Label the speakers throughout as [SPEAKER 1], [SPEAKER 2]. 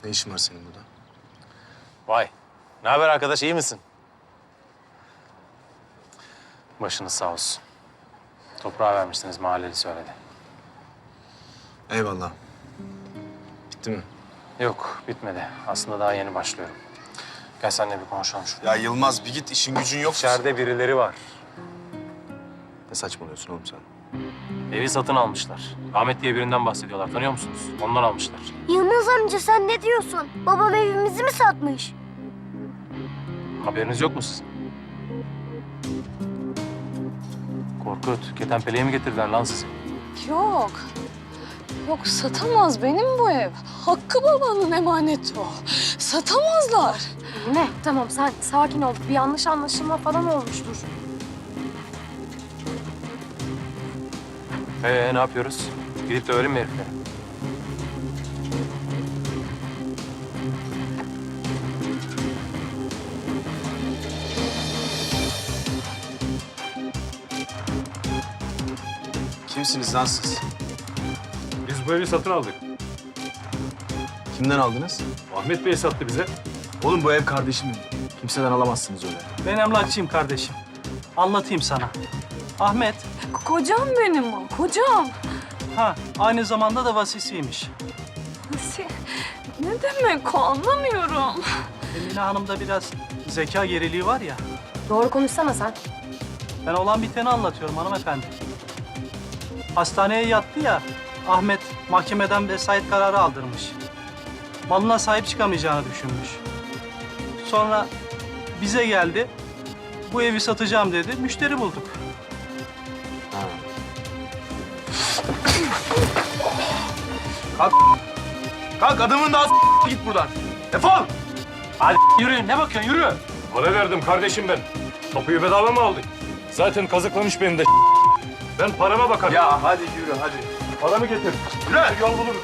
[SPEAKER 1] Ne işin var senin burada?
[SPEAKER 2] Vay. Ne haber arkadaş, iyi misin? Başınız sağ olsun. Toprağa vermiştiniz, mahalleli söyledi.
[SPEAKER 1] Eyvallah. Bitti mi?
[SPEAKER 2] Yok, bitmedi. Aslında daha yeni başlıyorum. Gel seninle bir konuşalım şurada.
[SPEAKER 1] Ya Yılmaz bir git, işin gücün yok.
[SPEAKER 2] İçeride birileri var.
[SPEAKER 1] Ne saçmalıyorsun oğlum sen?
[SPEAKER 2] Evi satın almışlar. Ahmet diye birinden bahsediyorlar. Tanıyor musunuz? Ondan almışlar.
[SPEAKER 3] Yılmaz amca sen ne diyorsun? Babam evimizi mi satmış?
[SPEAKER 2] Haberiniz yok mu sizin? Korkut, ketenpeleğe mi getirdiler lan sizi?
[SPEAKER 4] Yok. Yok satamaz benim bu ev. Hakkı babanın emaneti o. Satamazlar.
[SPEAKER 5] Ne? Tamam sen sakin ol. Bir yanlış anlaşılma falan olmuştur.
[SPEAKER 2] Ne yapıyoruz? Gidip dövelim mi herifleri?
[SPEAKER 1] Kimsiniz lan siz?
[SPEAKER 6] Biz bu evi satın aldık.
[SPEAKER 1] Kimden aldınız?
[SPEAKER 6] Ahmet Bey sattı bize.
[SPEAKER 1] Oğlum bu ev kardeşimin. Kimseden alamazsınız öyle.
[SPEAKER 7] Ben emlakçıyım kardeşim. Anlatayım sana. Ahmet,
[SPEAKER 4] Kocam benim o, kocam.
[SPEAKER 7] aynı zamanda da vasisiymiş.
[SPEAKER 4] Ne demek o anlamıyorum.
[SPEAKER 7] Emine Hanım'da biraz zeka geriliği var ya.
[SPEAKER 5] Doğru konuşsana sen.
[SPEAKER 7] Ben olan biteni anlatıyorum hanımefendi. Hastaneye yattı ya, Ahmet mahkemeden vesayet kararı aldırmış. Malına sahip çıkamayacağını düşünmüş. Sonra bize geldi, bu evi satacağım dedi, müşteri bulduk.
[SPEAKER 1] Kalk adamın daha git buradan. Defol!
[SPEAKER 2] Hadi yürüyün, ne bakıyorsun? Yürü!
[SPEAKER 6] Para verdim kardeşim ben. Kapıyı bedava mı aldık? Zaten kazıklamış beni de. Ben parama bakarım.
[SPEAKER 1] Ya hadi yürü hadi.
[SPEAKER 6] Paramı getir.
[SPEAKER 1] Yürü!
[SPEAKER 6] Yol buluruz.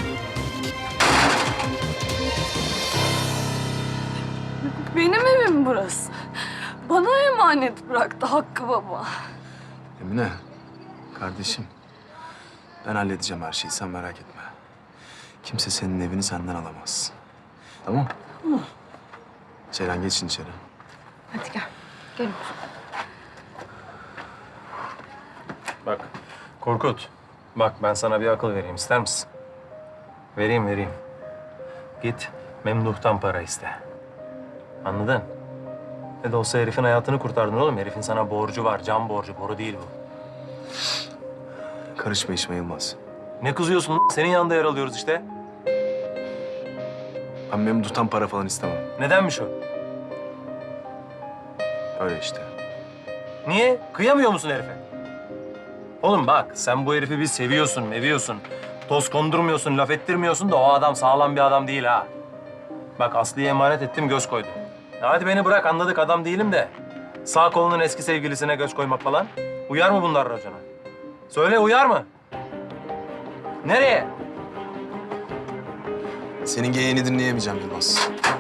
[SPEAKER 4] Benim evim burası. Bana emanet bıraktı Hakkı baba.
[SPEAKER 1] Emine, kardeşim. Ben halledeceğim her şeyi, sen merak etme. Kimse senin evini senden alamaz. Tamam? Ceylan geçin içeri.
[SPEAKER 5] Hadi gel. Gelin.
[SPEAKER 2] Bak, Korkut. Bak ben sana bir akıl vereyim, ister misin? Vereyim. Git Memduh'tan para iste. Anladın? Ne de olsa herifin hayatını kurtardın oğlum. Herifin sana borcu var, can borcu. Boru değil bu.
[SPEAKER 1] Karışma işime Yılmaz.
[SPEAKER 2] Ne kızıyorsun lan? Senin yanında yer alıyoruz işte.
[SPEAKER 1] Ben Memduh'tan para falan istemem.
[SPEAKER 2] Nedenmiş o?
[SPEAKER 1] Öyle işte.
[SPEAKER 2] Niye? Kıyamıyor musun herife? Oğlum bak, sen bu herifi bir seviyorsun, meviyorsun. Toz kondurmuyorsun, laf ettirmiyorsun da o adam sağlam bir adam değil ha. Bak Aslı'ya emanet ettim, göz koydu. Ya hadi beni bırak, anladık adam değilim de. Sağ kolunun eski sevgilisine göz koymak falan. Uyar mı bunlar racona? Söyle, uyar mı? Nereye?
[SPEAKER 1] Senin geyiğini dinleyemeyeceğim Yılmaz.